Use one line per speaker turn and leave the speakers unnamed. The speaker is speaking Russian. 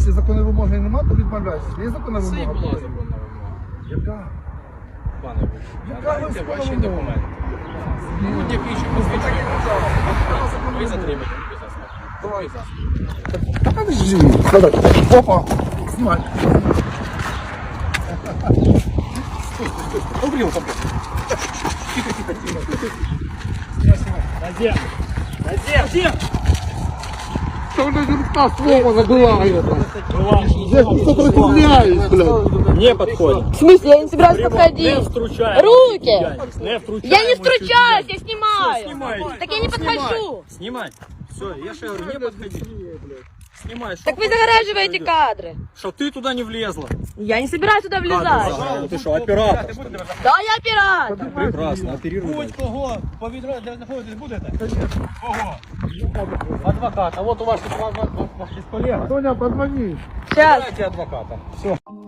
Якщо законної вимоги немає, то відмовляйся. Є законна
Це і
вимога?
була законна вимога.
Яка?
Пане Вучу,
Яка
надайте
ви
ваші
вимога?
документи. Будь-який, що посвідчує. Ви затримані. Давай засіб.
Та подожди. Опа. Знімай. Убрил там.
Назем! Назем!
Что же рука слова забывает?
Бывал.
Я не сопротивляюсь, блядь.
Не подходим.
В смысле? Я не собираюсь
Не
подходить.
втручаем.
Руки!
Не втручаем.
Я не втручаюсь, я снимаю.
Всё, снимайте.
Так я не подхожу.
Снимай. Все, я же говорю, не подходи. Снимай.
Так вы загораживаете кадры.
Что ты туда не влезла.
Я не собираюсь туда влезать.
Ты что, оператор?
Да, я оператор.
Прекрасно, оперируй.
Будь-кого по відро, де знаходитесь будете? Кого? Адвоката. Вот у вас тут ваш колега.
Тоня, позвони.
Сейчас.
Дайте адвоката. Все.